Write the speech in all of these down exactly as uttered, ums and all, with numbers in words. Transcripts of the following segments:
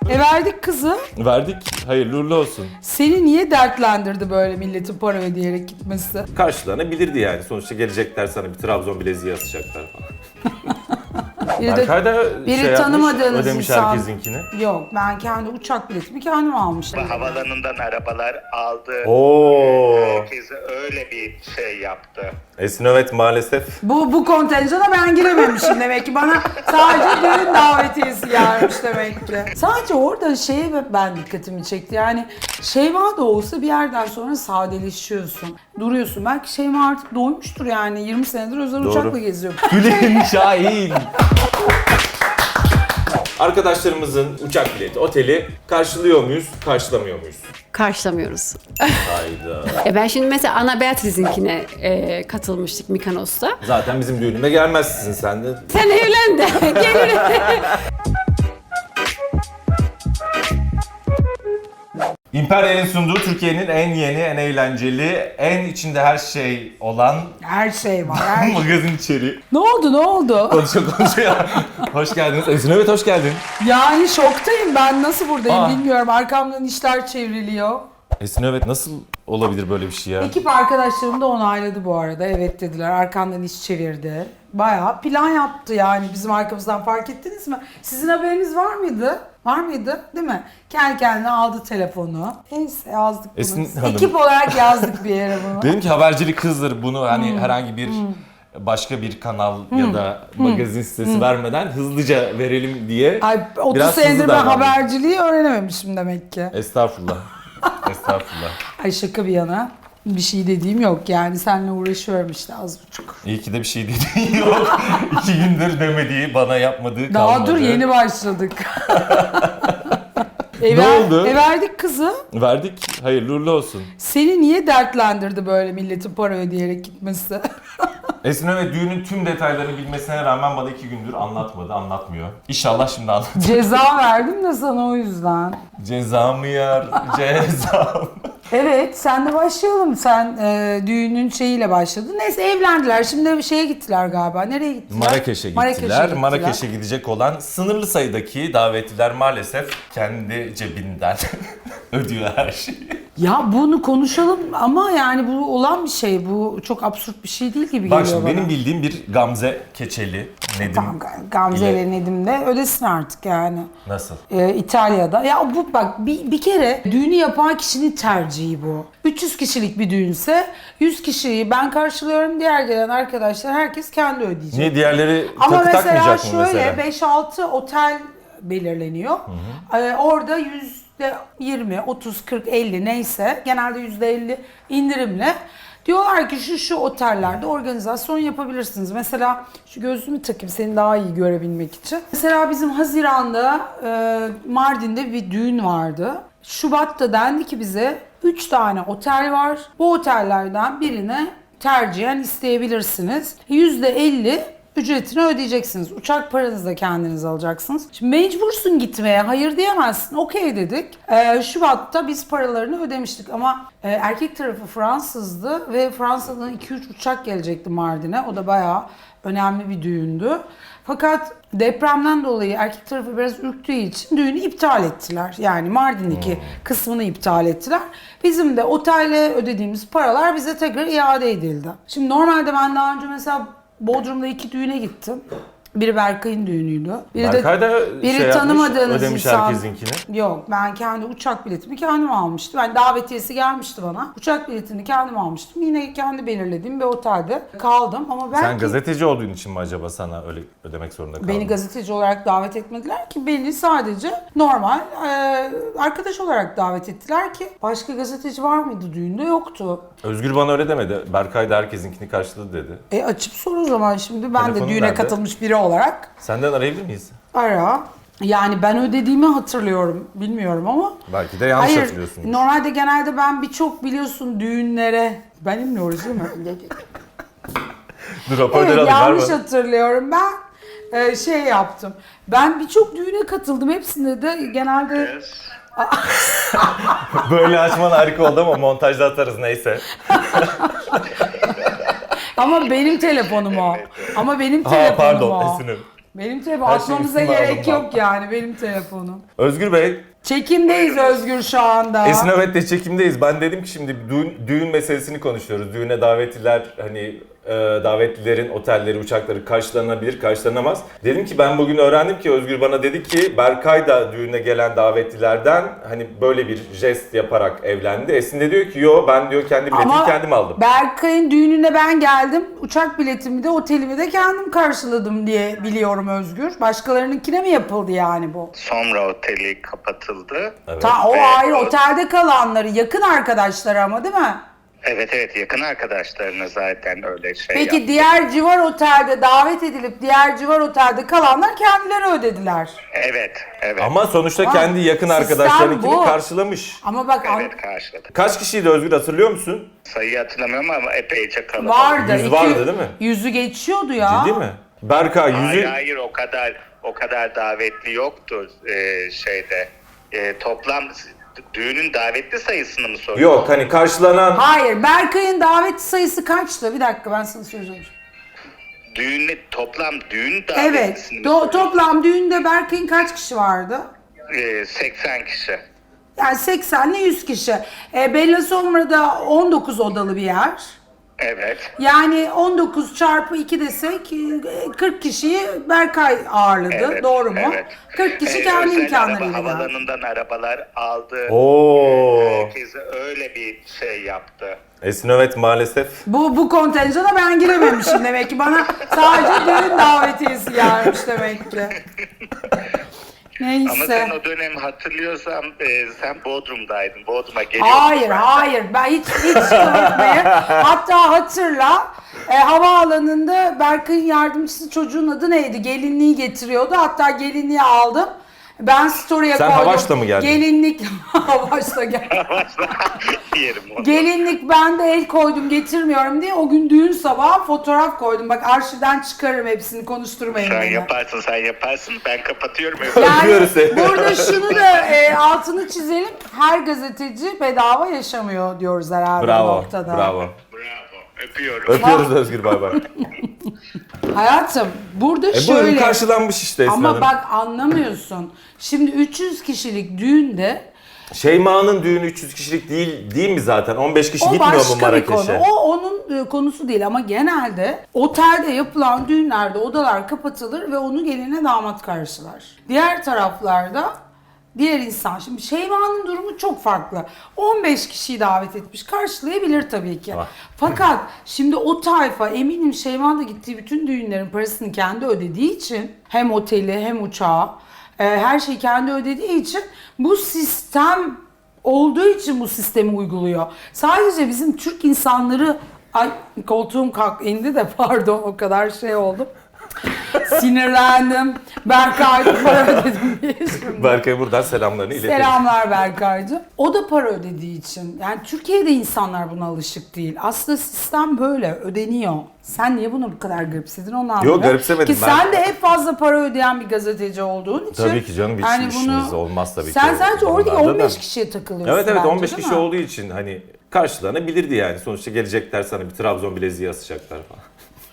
E verdik kızı. Verdik. Hayırlı uğurlu olsun. Seni niye dertlendirdi böyle milletin para ödeyerek gitmesi? Karşılanabilirdi yani. Sonuçta gelecekler sana bir Trabzon bileziği asacaklar falan. Biri de Berkay da biri şey yapmış, tanımadığınız ödemiş insan. herkesinkini. Yok, ben kendi uçak biletimi kendim almıştım. Havalanından arabalar aldı. Oo. Herkes öyle bir şey yaptı. Esin evet maalesef. Bu bu kontenjana ben girememişim demek ki, bana sadece düğün davetiyesi gelmiş demek ki. Sadece orada şeye ben dikkatimi çekti, yani Şeyma da olsa bir yerden sonra sadeleşiyorsun, duruyorsun. Belki Şeyma artık doymuştur yani, yirmi senedir özel Doğru. uçakla geziyor. Gülen Şahin. Arkadaşlarımızın uçak bileti, oteli karşılıyor muyuz, karşılamıyor muyuz? Karşılamıyoruz. Hayda. E ben şimdi mesela Anna Beatriz'inkine e, katılmıştık Mikonos'ta. Zaten bizim düğünüme gelmezsin sen de. Sen evlen de gelirim. Imperial'in sunduğu Türkiye'nin en yeni, en eğlenceli, en içinde her şey olan Her şey var. Her... magazin içeriği. Ne oldu ne oldu? Konuşuyor konuşuyor. Hoş geldiniz. Esin evet hoş geldin. Yani şoktayım ben, nasıl buradayım Aa. bilmiyorum. Arkamdan işler çevriliyor. Esin evet nasıl olabilir böyle bir şey ya? Ekip arkadaşlarım da onayladı bu arada. Evet dediler. Arkandan iş çevirdi. Bayağı plan yaptı yani bizim arkamızdan, fark ettiniz mi? Sizin haberiniz var mıydı? Var mıydı? Değil mi? Kendi kendine aldı telefonu. Neyse yazdık bunu. Esin Hanım. Ekip olarak yazdık bir yere bunu. Dedim ki habercilik hızdır, bunu hani herhangi bir başka bir kanal ya da magazin sitesi vermeden hızlıca verelim diye. Ay otuz biraz hızlı senedir ben davrandım. haberciliği öğrenememişim demek ki. Estağfurullah. Estağfurullah. Ay şaka bir yana. Bir şey dediğim yok yani, seninle uğraşıyorum işte az buçuk. İyi ki de bir şey dediğin yok. İki gündür demediği, bana yapmadığı Daha kalmadı. dur yeni başladık. e Ne ver- oldu? E verdik kızı. Verdik. Hayırlı uğurlu olsun. Seni niye dertlendirdi böyle milletin para ödeyerek gitmesi? Esin evet düğünün tüm detaylarını bilmesine rağmen bana iki gündür anlatmadı, anlatmıyor. İnşallah şimdi anlatacak. Ceza verdim de sana o yüzden. Cezamı yar, cezam. Evet, sen de başlayalım. Sen e, düğünün şeyiyle başladın. Neyse evlendiler. Şimdi bir şeye gittiler galiba. Nereye gittiler? Marrakeş'e gittiler. Marrakeş'e Marrakeş'e gidecek olan sınırlı sayıdaki davetliler maalesef kendi cebinden ödüyor her şeyi. Ya bunu konuşalım ama yani bu olan bir şey. Bu çok absürt bir şey değil gibi Bak geliyor şimdi bana. benim bildiğim bir Gamze Keçeli, Nedim Tamam, Gamze ile- ile Nedim de ödesin artık yani. Nasıl? Ee, İtalya'da. Ya bu bak bir, bir kere düğünü yapan kişinin tercihi bu. üç yüz kişilik bir düğünse yüz kişiyi ben karşılıyorum, diğer gelen arkadaşlar herkes kendi ödeyecek. Niye diğerleri Ama takı mesela takmayacak mı şöyle mesela? beş altı otel belirleniyor. Ee, orada yüzde yirmi, otuz, kırk, elli neyse, genelde yüzde elli indirimle diyorlar ki şu şu otellerde organizasyon yapabilirsiniz. Mesela şu gözlüğümü takayım seni daha iyi görebilmek için. Mesela bizim Haziran'da e, Mardin'de bir düğün vardı. Şubat'ta dendi ki bize üç tane otel var. Bu otellerden birine tercihen isteyebilirsiniz. yüzde elli ücretini ödeyeceksiniz. Uçak paranızı da kendiniz alacaksınız. Şimdi mecbursun gitmeye. Hayır diyemezsin. Okey dedik. Ee, Şubat'ta biz paralarını ödemiştik ama e, erkek tarafı Fransızdı ve Fransa'dan iki üç uçak gelecekti Mardin'e. O da bayağı önemli bir düğündü. Fakat depremden dolayı erkek tarafı biraz ürktüğü için düğünü iptal ettiler. Yani Mardin'deki kısmını iptal ettiler. Bizim de otelle ödediğimiz paralar bize tekrar iade edildi. Şimdi normalde ben daha önce mesela Bodrum'da iki düğüne gittim. Biri Berkay'ın düğünüydü. Biri Berkay da de biri şey yapmış, tanımadığınız ödemiş insan. herkesinkini. Yok, ben kendi uçak biletimi kendim almıştım. Ben davetiyesi gelmişti bana. Uçak biletini kendim almıştım. Yine kendi belirlediğim bir otelde kaldım ama belki Sen gazeteci olduğun için mi acaba sana öyle ödemek zorunda kaldın? beni gazeteci olarak davet etmediler ki, beni sadece normal e, arkadaş olarak davet ettiler ki başka gazeteci var mıydı düğünde? Yoktu. Özgür bana öyle demedi. Berkay da herkesinkini karşıladı dedi. E açıp sor o zaman şimdi, ben Telefonun de düğüne nerede? katılmış biri olarak. Senden arayabilir miyiz? Ara. Yani ben ödediğimi hatırlıyorum. Bilmiyorum ama. Belki de yanlış Hayır, hatırlıyorsun. normalde genelde ben birçok biliyorsun düğünlere, benimle uğraşıyor değil mi? Dur raporları Evet, alayım. yanlış ver bana. hatırlıyorum. Ben e, şey yaptım. Ben birçok düğüne katıldım. Hepsinde de genelde Böyle açman harika oldu ama montajda atarız neyse. ama benim telefonum o. Ama benim Ha telefonum pardon o. Esin'im. Benim telefon Her şeyin atmamıza üstüne gerek aldım yok ben. yani benim telefonum. Özgür Bey, Çekimdeyiz Özgür şu anda. Esin Övet'le çekimdeyiz. Ben dedim ki şimdi düğün, düğün meselesini konuşuyoruz. Düğüne davetliler hani e, davetlilerin otelleri, uçakları karşılanabilir, karşılanamaz. Dedim ki ben bugün öğrendim ki Özgür bana dedi ki Berkay da düğüne gelen davetlilerden hani böyle bir jest yaparak evlendi. Esin de diyor ki yo ben diyor kendi biletimi Ama kendim aldım. Berkay'ın düğününe ben geldim. Uçak biletimi de otelimi de kendim karşıladım diye biliyorum Özgür. Başkalarınınkine mi yapıldı yani bu? Sonra oteli kapatıldı. Evet. Ta o Ve ayrı o- otelde kalanları, yakın arkadaşları ama değil mi? Evet evet yakın arkadaşlarına zaten öyle şey Peki yaptı. diğer civar otelde davet edilip diğer civar otelde kalanlar kendileri ödediler. Evet evet. Ama sonuçta Ama kendi yakın sistem arkadaşlarınkini bu. karşılamış. Ama bak an- Evet karşıladı. Kaç kişiydi Özgür hatırlıyor musun? Sayıyı hatırlamıyorum ama epeyce kalabalık. vardı. Yüz iki- vardı değil mi? Yüzü geçiyordu ya. Ciddi mi? Berkay Hayır yüzü... hayır o kadar o kadar davetli yoktu e, şeyde. E, toplam düğünün davetli sayısını mı soruyorsun? Yok hani karşılanan... Hayır, Berkay'ın davet sayısı kaçtı? Bir dakika ben sana söyleyeceğim. Düğünle toplam düğün Evet, davetlisini mi do- soruyorsun? toplam düğünde Berkay'ın kaç kişi vardı? E, seksen kişi. Yani seksen ile yüz kişi. E, Bella Sombra'da on dokuz odalı bir yer. Evet. Yani on dokuz çarpı iki desek e, kırk kişiyi Berkay ağırladı. Evet, Doğru mu? evet. kırk kişi Ee, kendi özel imkanlarıyla araba geldi. havalanından arabalar aldı. Oo. Herkese öyle bir şey yaptı. Esin Övet maalesef. Bu, bu kontenjana ben girememişim demek ki. Bana sadece düğün davetiyesi gelmiş demek ki. Neyse. Ama sen o dönem hatırlıyorsan e, sen Bodrum'daydın. Bodrum'a geliyordun. Hayır, zaten. hayır. Ben hiç hiç kıvırtmayı. Hatta hatırla e, havaalanında Berkay'ın yardımcısı çocuğun adı neydi? Gelinliği getiriyordu. Hatta gelinliği aldım. Ben story'e Sen koydum. Havaş'la mı geldin? Gelinlik Havaş'la geldim. Yerim onu. Gelinlik ben de el koydum getirmiyorum diye o gün düğün sabahı fotoğraf koydum. Bak arşivden çıkarırım hepsini konuşturmayın Sen beni. yaparsın sen yaparsın. Ben kapatıyorum. Yani Öpüyoruz seni. burada şunu da e, altını çizelim. Her gazeteci bedava yaşamıyor diyoruz herhalde bu Bravo, noktada. bravo. Bravo. Öpüyorum. Öpüyoruz Özgür bay bay. Hayatım burada E bu şöyle karşılanmış işte Esin ama Hanım. bak anlamıyorsun. Şimdi üç yüz kişilik düğünde Şeyma'nın düğünü üç yüz kişilik değil değil mi zaten? on beş kişi o gitmiyor mu başka bir konu. Marrakeş'e? O onun e, konusu değil ama genelde otelde yapılan düğünlerde odalar kapatılır ve onu geline damat karşılar. Diğer taraflarda diğer insan. Şimdi Şeyma'nın durumu çok farklı. on beş kişiyi davet etmiş. Karşılayabilir tabii ki. Ah. Fakat şimdi o tayfa eminim Şeyma da gittiği bütün düğünlerin parasını kendi ödediği için hem oteli hem uçağı e, her şeyi kendi ödediği için bu sistem olduğu için bu sistemi uyguluyor. Sadece bizim Türk insanları ay koltuğum kalk indi de pardon o kadar şey oldum. Sinirlendim. Berkay para ödedim diye şimdi. Berkay'a buradan selamlarını iletelim. Selamlar Berkaycığım. O da para ödediği için. Yani Türkiye'de insanlar buna alışık değil. Aslında sistem böyle ödeniyor. Sen niye bunu bu kadar garipsedin onu anlamıyorum. garipsemedim Ki ben. sen de hep fazla para ödeyen bir gazeteci olduğun için. Tabii ki canım, hiç işimiz olmaz tabii ki Sen o sadece oradaki konularda on beş da. kişiye takılıyorsun Evet evet bence, on beş değil kişi mi? olduğu için hani karşılanabilirdi yani. Sonuçta gelecekler sana bir Trabzon bileziği asacaklar falan.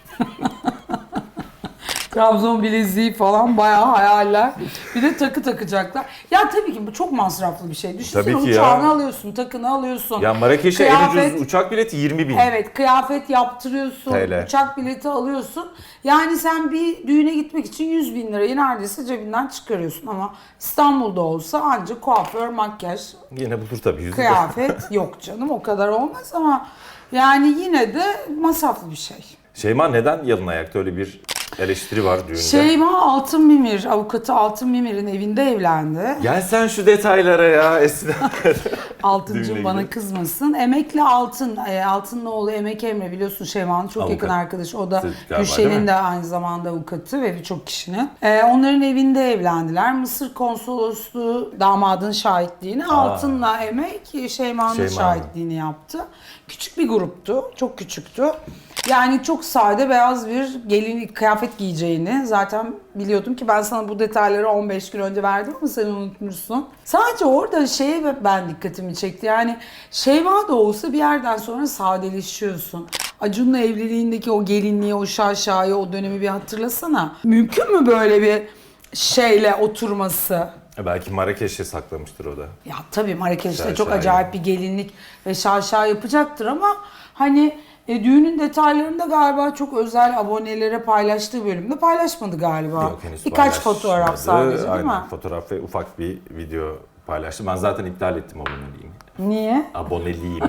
Trabzon bileziği falan bayağı hayaller. Bir de takı takacaklar. Ya tabii ki bu çok masraflı bir şey. Düşünsene Tabii ki ya. uçağını alıyorsun, takını alıyorsun. Ya Marrakeş'e en Kıyafet- ucuz uçak bileti yirmi bin. Evet, kıyafet yaptırıyorsun, T L. uçak bileti alıyorsun. Yani sen bir düğüne gitmek için yüz bin lirayı neredeyse cebinden çıkarıyorsun. Ama İstanbul'da olsa ancak kuaför, makyaj, Yine bulur tabii yüzü de. kıyafet yok canım o kadar olmaz ama yani yine de masraflı bir şey. Şeyma neden yalın ayakta, öyle bir eleştiri var düğünde. Şeyma Altın Mimir, avukatı Altın Mimir'in evinde evlendi. Gel sen şu detaylara ya Esin. Altıncım Düğünle bana ilgili. kızmasın. Emekli Altın, e, Altın'ın oğlu Emek Emre biliyorsun Şeyma'nın çok Avukat. yakın arkadaşı. O da Siz galiba, değil Gülşen'in mi? de aynı zamanda avukatı ve birçok kişinin. E, onların evinde evlendiler. Mısır konsolosluğu damadın şahitliğini, Altın'la Emek Şeyma'nın Şeyma'nın. şahitliğini yaptı. Küçük bir gruptu, çok küçüktü. Yani çok sade beyaz bir gelinlik kıyafet giyeceğini zaten biliyordum ki ben sana bu detayları on beş gün önce verdim ama sen unutmuşsun. Sadece orada şeye ben dikkatimi çekti. Yani Şeyma da olsa bir yerden sonra sadeleşiyorsun. Acun'la evliliğindeki o gelinliği, o şaşayı, o dönemi bir hatırlasana. Mümkün mü böyle bir şeyle oturması? E, Belki Marrakeş'e saklamıştır o da. Ya tabii Marrakeş'te Şaşa çok yani. acayip bir gelinlik ve şaşa yapacaktır ama hani e, düğünün detaylarında galiba çok özel abonelere paylaştığı bölümde paylaşmadı galiba. Yok, henüz Birkaç paylaşmadı. fotoğraf sadece değil Aynen, mi? fotoğraf ve ufak bir video paylaştım. Ben zaten iptal ettim aboneliğimi. Niye? Aboneliğimi.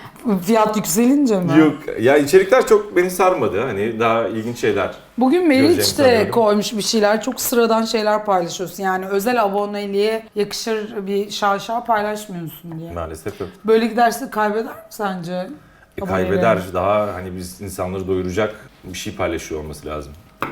Fiyat yükselince mi? Yok ya, içerikler çok beni sarmadı. Hani daha ilginç şeyler. Bugün Meriç Göreceğimi de sanıyorum. koymuş bir şeyler. Çok sıradan şeyler paylaşıyorsun. Yani özel aboneliğe yakışır bir şaşa paylaşmıyorsun diye. Maalesef yok. Böyle giderse kaybeder mi sence? E, abonelerini? kaybeder. Daha hani biz insanları doyuracak bir şey paylaşıyor olması lazım.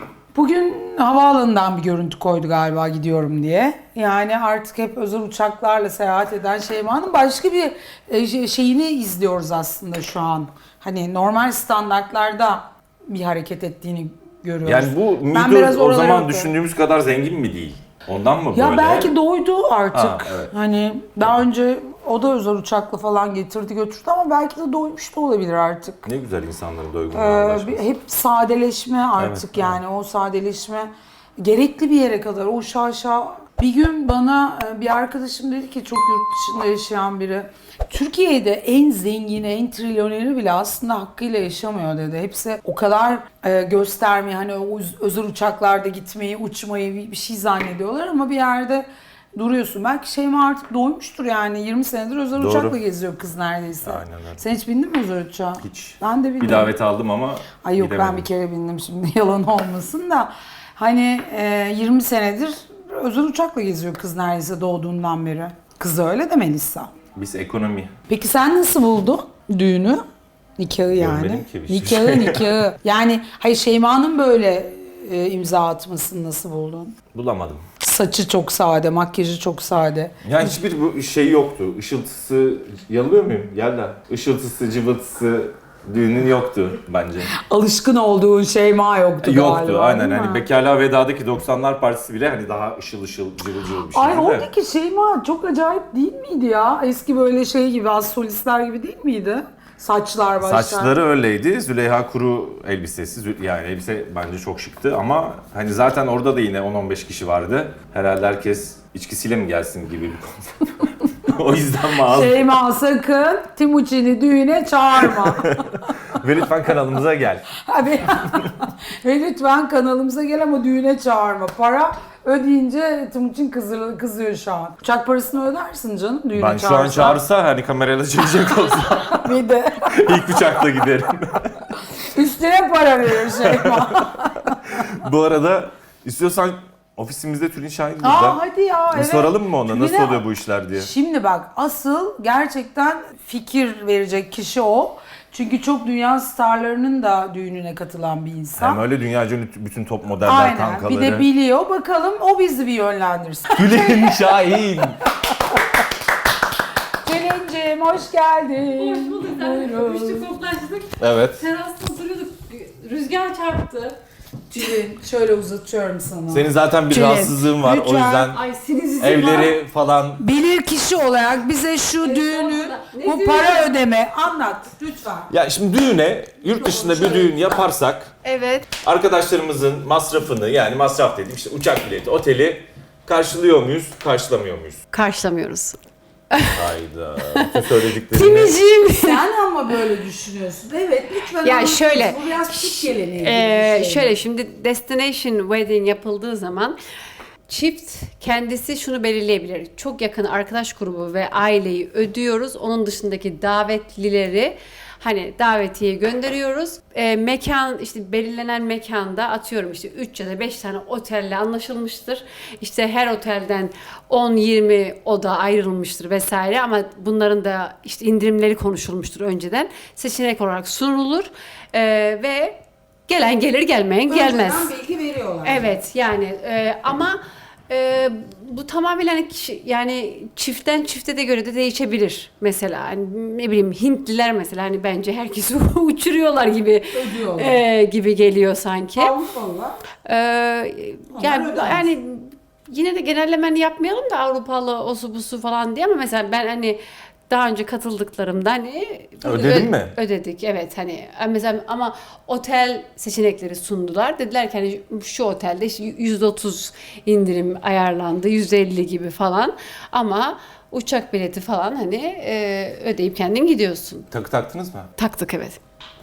Bugün havaalanından bir görüntü koydu galiba gidiyorum diye. Yani artık hep özel uçaklarla seyahat eden Şeyma'nın başka bir e, şey- şeyini izliyoruz aslında şu an. Hani normal standartlarda bir hareket ettiğini görüyoruz. Yani bu Ben biraz Migros o oralara zaman bakıyorum. düşündüğümüz kadar zengin mi değil? Ondan mı Ya böyle? belki doydu artık. Ha, evet. Hani daha önce o da özel uçakla falan getirdi götürdü ama belki de doymuş da olabilir artık. Ne güzel insanların doygunluğuna Ee, ulaşması. bir- hep sadeleşme artık Evet, yani o sadeleşme gerekli bir yere kadar o şaşa. Bir gün bana e, bir arkadaşım dedi ki çok yurt dışında yaşayan biri. Türkiye'de en zengini, en trilyoneri bile aslında hakkıyla yaşamıyor dedi. Hepsi o kadar e, göstermeyi, hani o öz- özel uçaklarda gitmeyi, uçmayı bir, bir şey zannediyorlar ama bir yerde duruyorsun. Belki Şeyma artık doymuştur yani. yirmi senedir özel Doğru. uçakla geziyor kız neredeyse. Aynen öyle. Sen hiç bindin mi özel uçağa? Hiç. Ben de bindim. Bir davet aldım ama Ay yok ben gidemedim. bir kere bindim şimdi yalan olmasın da. Hani e, yirmi senedir özel uçakla geziyor kız neredeyse doğduğundan beri. Kız öyle de Melisa. Biz ekonomi. Peki sen nasıl buldun düğünü? Nikahı yani. Görmedim ki bir şey. Nikahı nikahı. Yani hayır Şeyma'nın böyle e, imza atmasını nasıl buldun? Bulamadım. Saçı çok sade, makyajı çok sade. Yani hiçbir bu şey yoktu. Işıltısı, yanılıyor muyum? Yelda. Işıltısı, cıvıltısı düğünün yoktu bence. Alışkın olduğun Şeyma yoktu galiba. Yoktu aynen. değil mi? Hani Bekarlığa Veda'daki doksanlar partisi bile hani daha ışıl ışıl, cıvıl cıvıl bir şeydi Ay de. oradaki Şeyma çok acayip değil miydi ya? Eski böyle şey gibi, az solistler gibi değil miydi? Saçlar başlar. Saçları öyleydi. Züleyha Kuru elbisesi. Zü- Yani elbise bence çok şıktı ama hani zaten orada da yine on on beş kişi vardı. Herhalde herkes içkisiyle mi gelsin gibi bir konsept. O yüzden mi az? Şeyma sakın Timuçin'i düğüne çağırma. Ve lütfen kanalımıza gel. Abi, ve lütfen kanalımıza gel ama düğüne çağırma. Para ödeyince Timuçin kızıyor, kızıyor şu an. Uçak parasını ödersin canım düğüne Ben şu an çağırsan. çağırsa hani kamerayla çekecek olsa Bir de ilk uçakla giderim. üstüne para verir Şeyma. Bu arada istiyorsan ofisimizde Tülin Şahin burada. Aa hadi ya. Bir evet. soralım mı ona nasıl Tülin'e- oluyor bu işler diye. Şimdi bak asıl gerçekten fikir verecek kişi o. Çünkü çok dünya starlarının da düğününe katılan bir insan. Hem öyle dünyaca ünlü bütün top modeller Aynen. kankaları. Bir de biliyor. Bakalım o bizi bir yönlendirsin. Tülin Şahin. Selin'cim hoş geldin. Hoş bulduk. Buyurun. Öpüştük, koklaştık. Evet. Terasta oturuyorduk. Rüzgar çarptı. Tülin şöyle uzatıyorum sana. Senin zaten bir Tülin, rahatsızlığın var o lütfen. yüzden Ay sinizim evleri falan. Bilir kişi olarak bize şu düğünü, Ne bu düğünü? para ödeme anlat lütfen. Ya şimdi düğüne yurt dışında bir düğün yaparsak Evet. arkadaşlarımızın masrafını yani masraf dediğim işte uçak bileti, oteli karşılıyor muyuz, karşılamıyor muyuz? Karşılamıyoruz. Hayda. Bütün söylediklerini. Timicim. Sen ama böyle düşünüyorsun. Evet lütfen Ya anlat. şöyle, Bu biraz Türk geleneği gibi Ee, bir şey. şöyle şimdi destination wedding yapıldığı zaman çift kendisi şunu belirleyebilir. Çok yakın arkadaş grubu ve aileyi ödüyoruz. Onun dışındaki davetlileri hani davetiye gönderiyoruz. Ee, mekan işte belirlenen mekanda atıyorum işte üç ya da beş tane otelle anlaşılmıştır. İşte her otelden on yirmi oda ayrılmıştır vesaire ama bunların da işte indirimleri konuşulmuştur önceden. Seçenek olarak sunulur Ee, ve gelen gelir gelmeyen gelmez. Önceden bilgi veriyorlar. Evet yani e, ama e, bu tamamen hani kişi, yani çiftten çifte de göre de değişebilir mesela. Hani ne bileyim Hintliler mesela hani bence herkesi uçuruyorlar gibi Ödüyorlar. e, gibi geliyor sanki. Avrupalılar. E, yani ödemez. yani yine de genellemeni yapmayalım da Avrupalı osu busu falan diye ama mesela ben hani daha önce katıldıklarımda hani Ödedin ö- mi? Ödedik, evet, hani mesela ama otel seçenekleri sundular. Dediler ki hani şu otelde işte yüzde otuz indirim ayarlandı, yüzde elli gibi falan, ama uçak bileti falan hani e, ödeyip kendin gidiyorsun. Takı taktınız mı? Taktık, evet.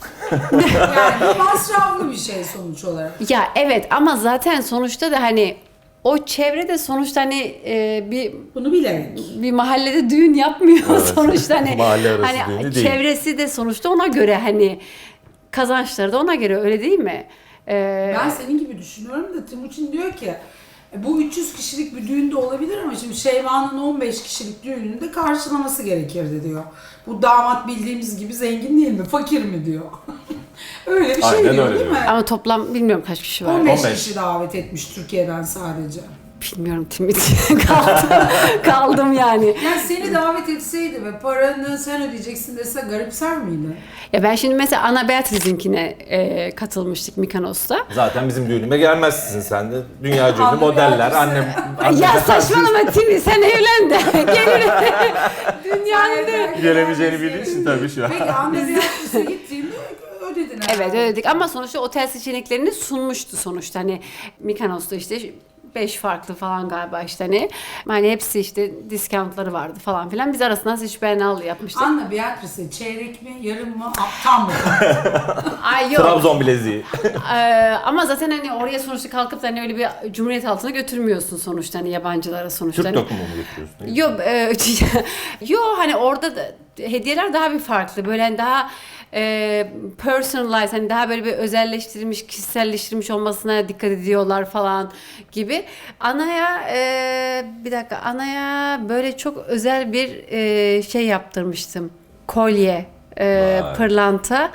Yani masraflı bir şey sonuç olarak. Ya evet, ama zaten sonuçta da hani o çevrede sonuçta hani e, bir Bunu bilerek. bir mahallede düğün yapmıyor Evet. sonuçta hani Mahalle arası hani düğünü değil. çevresi de sonuçta ona göre, hani kazançları da ona göre, öyle değil mi? Ee, Ben senin gibi düşünüyorum da Timuçin diyor ki "E, bu üç yüz kişilik bir düğünde olabilir ama şimdi Şeyma'nın on beş kişilik düğününde karşılaması gerekirdi diyor. Bu damat bildiğimiz gibi zengin değil mi? Fakir mi diyor. Öyle bir şey Aynen diyor öyle değil diyor. mi? ama toplam bilmiyorum kaç kişi var. on beş on beş. kişi davet etmiş Türkiye'den sadece. Bilmiyorum Timit. kaldım, kaldım yani. Yani seni davet etseydi ve paranı sen ödeyeceksin dese garipser miydin? Ya ben şimdi mesela Ana Beatriz'inkine e, katılmıştık Mikonos'ta. Zaten bizim düğünüme gelmezsin sen de. Dünya ünlü Anne modeller, Beatrice. annem... Ay annem ya Beatrice. saçmalama Timi, sen evlen de. Gelirim. Dünyanın da- Gelemeyeceğini bildiğin için tabii şu an. Peki Anne Beatriz'e gittiğinde ödedin herhalde. Evet, ödedik ama sonuçta otel seçeneklerini sunmuştu sonuçta, hani Mikonos'ta işte beş farklı falan galiba işte hani hani hepsi işte discountları vardı falan filan. Biz arasından seçip al yapmıştık. Anne Beatriz'e çeyrek mi, yarım mı, a- tam mı? Ay yok. Trabzon bileziği. Ee, ama zaten hani oraya sonuçta kalkıp da hani öyle bir cumhuriyet altına götürmüyorsun sonuçta, hani yabancılara sonuçta. Türk Hani- dokumu mu getiriyorsun? Yok, e, yo hani orada da hediyeler daha bir farklı. Böyle hani daha e, personalized, hani daha böyle bir özelleştirilmiş, kişiselleştirilmiş olmasına dikkat ediyorlar falan gibi. Anaya e, bir dakika, Anaya böyle çok özel bir e, şey yaptırmıştım. Kolye, e, Vay. pırlanta.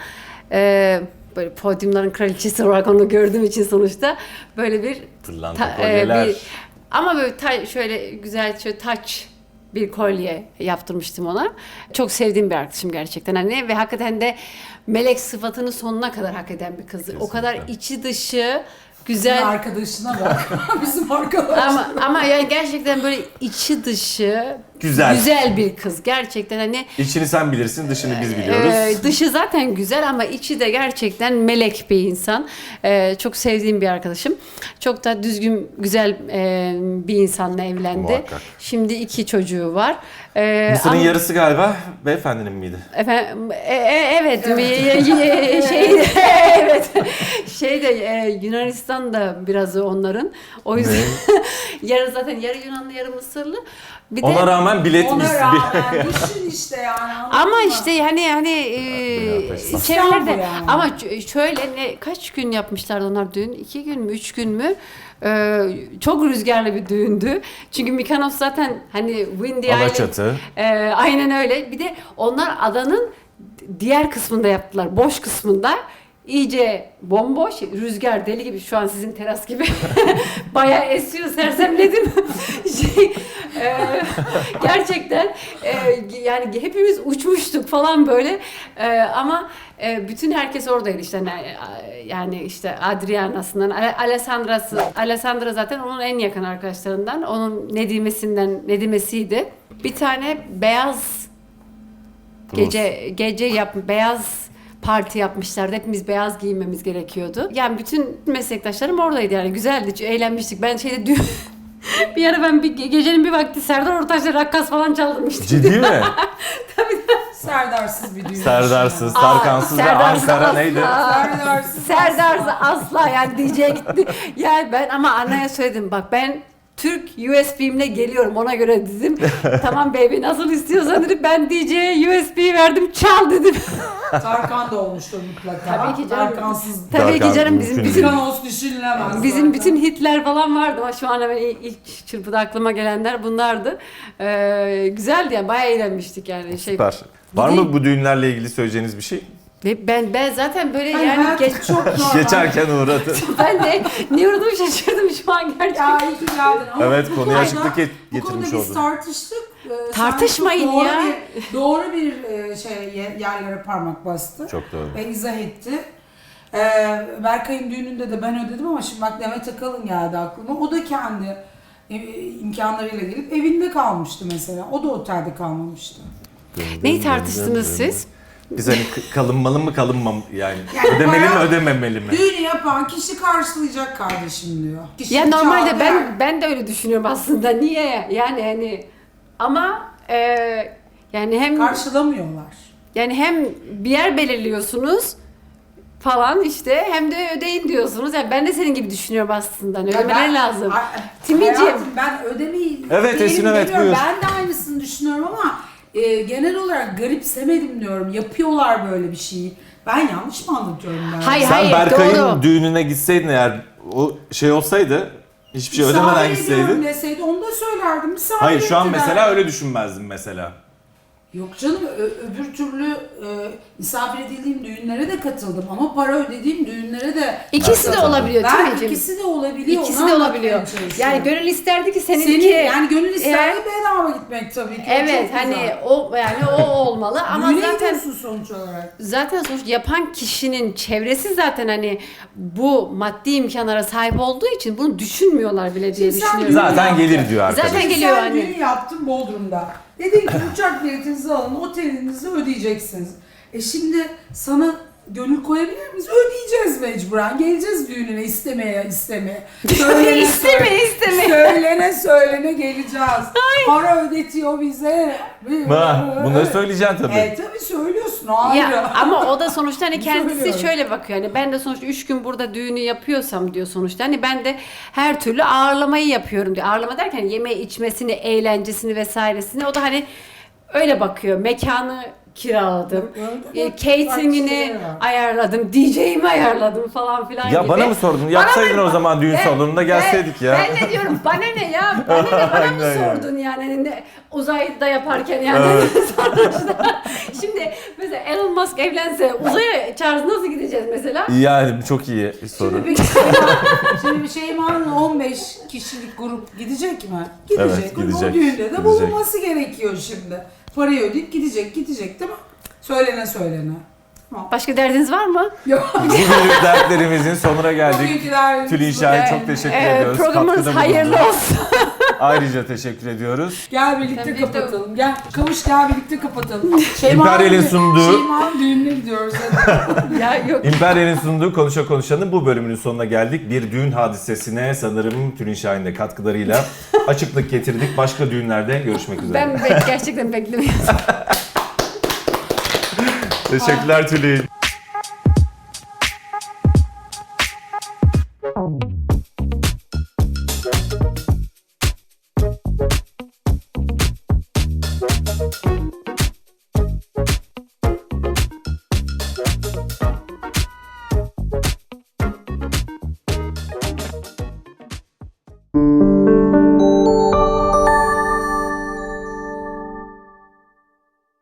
E, böyle podyumların kraliçesi olarak onu gördüğüm için sonuçta böyle bir Pırlanta ta- e, kolyeler. bir- ama böyle ta- şöyle güzel, şöyle taç bir kolye yaptırmıştım ona. Çok sevdiğim bir arkadaşım gerçekten hani, ve hakikaten de melek sıfatını sonuna kadar hak eden bir kızdı. O kadar içi dışı Bizim güzel arkadaşına bak. Bizim arkadaş. ama ama yani gerçekten böyle içi dışı Güzel. güzel bir kız gerçekten hani. İçini sen bilirsin, dışını biz biliyoruz. Ee, dışı zaten güzel ama içi de gerçekten melek bir insan. Ee, çok sevdiğim bir arkadaşım. Çok da düzgün, güzel e, bir insanla evlendi. Muhakkak. Şimdi iki çocuğu var. Ee, Mısır'ın ama- yarısı galiba beyefendinin miydi? Efendim, e, e, evet, mi- e, e, şey evet şey de e, Yunanistan da biraz onların. O yüzden yarı zaten yarı Yunanlı, yarı Mısırlı. Bir de Ona rağmen biletmiş. Ona rağmen düşün işte yani. anladın ama mı? işte hani hani e, yaklaşsın. çevrelerde İstanbul yani. ama ç- şöyle ne kaç gün yapmışlardı onlar düğün? İki gün mü, üç gün mü? Ee, çok rüzgarlı bir düğündü. Çünkü Mykonos zaten hani Windy Island. Alaçatı. Ee, aynen öyle. Bir de onlar adanın diğer kısmında yaptılar. Boş kısmında. İyice bomboş, rüzgar deli gibi, şu an sizin teras gibi bayağı esiyor, sersemledim. şey, e, gerçekten e, yani hepimiz uçmuştuk falan böyle. E, ama e, bütün herkes oradaydı işte, yani, yani işte Adriana'sından, Alessandra'sı, Alessandra zaten onun en yakın arkadaşlarından, onun Nedimesinden, Nedimesiydi. Bir tane beyaz gece gece yap beyaz parti yapmışlardı. Hepimiz beyaz giyinmemiz gerekiyordu. Yani bütün meslektaşlarım oradaydı yani. Güzeldi, eğlenmiştik. Ben şeyde dün bir ara ben bir gecenin bir vakti Serdar Ortaç'la rakkas falan çaldırmıştım. Ciddi mi? Serdarsız bir düğün. Serdarsız, Aa, Tarkansız ve Serdarsız Ankara asla. neydi? Serdarsız. Serdarsız asla yani D J'ye gitti. Yani ben ama anneye söyledim, bak ben Türk U S B'imle geliyorum, ona göre dedim. Tamam baby, nasıl istiyorsan dedim, ben D J'ye U S B verdim, çal dedim. Tarkan da olmuştur mutlaka. Tabii ki canım. Tarkansız. Tabii ki Tarkan canım, bizim mümkün bizim Mikanos düşünülemez. Bizim zaten. bütün hitler falan vardı ama şu an hemen ilk çırpıda aklıma gelenler bunlardı. Ee, güzeldi yani, bayağı eğlenmiştik yani. Şey. Süper. Var Bir de- mı bu düğünlerle ilgili söyleyeceğiniz bir şey? Ve ben ben zaten böyle Yani yani hayat geç, çok normal. Geçerken uğradı. ben de ne uğradım şaşırdım şu an gerçekten. Ya iyi ki geldin. Ama Evet, bu konuya konuda- açıklık get- Bu konuda getirmiş biz oldun. tartıştık. Ee, sen Tartışmayın çok doğru ya. Bir, doğru bir e, şey ye- yerlere parmak bastı. Çok doğru. Ve izah etti. Ee, Berkay'ın düğününde de ben ödedim ama şimdi bak Demet Akalın geldi aklıma. O da kendi e, imkanlarıyla gelip evinde kalmıştı mesela. O da otelde kalmamıştı. Neyi tartıştınız siz? Biz hani k- kalınmalı mı kalınmam yani, Yani ödemeli mi bayağı- ödememeli mi? Düğünü yapan kişi karşılayacak kardeşim diyor. Kişi Ya normalde çağırdı ben yani. ben de öyle düşünüyorum aslında. Niye? Yani hani ama e, yani hem Karşılamıyorlar. yani hem bir yer belirliyorsunuz falan işte hem de ödeyin diyorsunuz. Yani ben de senin gibi düşünüyorum aslında. Hani Ya ödemeleri ben- lazım. Ay- Timiciğim. Hayatım, ben ödemeyi Evet, değilim Esin, evet, demiyorum. buyur. Ben de aynısını düşünüyorum ama e, genel olarak garipsemedim diyorum. Yapıyorlar böyle bir şeyi. Ben yanlış mı anlatıyorum ben? Hayır, Sen hayır, Berkay'ın doğru. düğününe gitseydin eğer, o şey olsaydı, hiçbir şey Misafir ödemeden ediyorum gitseydin. deseydi onu da söylerdim. Misafir Hayır, şu an ettiler. mesela öyle düşünmezdin mesela. Yok canım, ö- öbür türlü e, misafir edildiğim düğünlere de katıldım ama para ödediğim düğünlere de İkisi de Evet, olabiliyor ben Timiciğim. ikisi de olabiliyor. İkisi onu de anlatmaya olabiliyor. çalışıyorum. Yani gönül isterdi ki seninki Senin yani gönül isterdi Eğer- bedava gitmek tabii ki. O Evet çok hani güzel. o yani o olmalı ama Düğüne zaten gidiyorsun sonuç olarak. zaten sonuç yapan kişinin çevresi zaten hani bu maddi imkanlara sahip olduğu için bunu düşünmüyorlar bile diye Şimdi sen düşünüyorum. Zaten gelir diyor arkadaş. Zaten Şimdi geliyor sen hani. düğün yaptın Bodrum'da. Dedin ki uçak biletinizi alın, otelinizi ödeyeceksiniz. E şimdi sana gönül koyabilir miyiz? Ödeyeceğiz mecburen. Geleceğiz düğününe istemeye istemeye. Söylene İsteme, söyle- isteme. Söylene söylene geleceğiz. Para ödetiyor bize. Ha, bunları söyleyeceksin tabii. E tabii söylüyorsun o ayrı. Ya ama o da sonuçta hani Bunu kendisi söylüyorum. şöyle bakıyor hani ben de sonuçta üç gün burada düğünü yapıyorsam diyor sonuçta hani ben de her türlü ağırlamayı yapıyorum diyor. Ağırlama derken yeme içmesini, eğlencesini vesairesini o da hani öyle bakıyor. Mekanı kiraladım. Öyle E, bak, catering'ini bak şeyler var. ayarladım. D J'imi ayarladım falan filan Ya gibi. bana mı sordun? Bana Yapsaydın mı- o zaman düğün Ben- salonunda gelseydik ben, ya. Ben ne diyorum bana ne ya? Bana ne bana mı Aynen yani. sordun yani? Hani ne, uzayda yaparken yani Evet. sonuçta. Şimdi mesela Elon Musk evlense uzaya Charles nasıl gideceğiz mesela? Yani çok iyi bir soru. Şimdi bir Şeyma, şimdi bir Şeyma'nın on beş kişilik grup gidecek mi? Gidecek. Evet, gidecek, O düğünde de gidecek. bulunması gerekiyor şimdi. Parayı ödeyip gidecek, gidecek değil mi? Söylene söylene. Tamam. Başka derdiniz var mı? Yok. Bugünlük dertlerimizin sonuna geldik. Bugünküler- Tülinşah'a Ee, çok teşekkür e, ediyoruz. Programınız Katkıda hayırlı bulundu. olsun. Ayrıca teşekkür ediyoruz. Gel birlikte Tabii, kapatalım. Gel kavuş gel birlikte kapatalım. Şeyma'nın İmperyal'in dü- sunduğu- Şeyma'nın düğününe gidiyoruz. Hadi. Ya yok. İmperyal'in sunduğu Konuşa Konuşan'ın bu bölümünün sonuna geldik. Bir düğün hadisesine sanırım Tülinşah'ın de katkılarıyla açıklık getirdik. Başka düğünlerde görüşmek üzere. Ben bek- gerçekten beklemiyordum. Teşekkürler Tülin.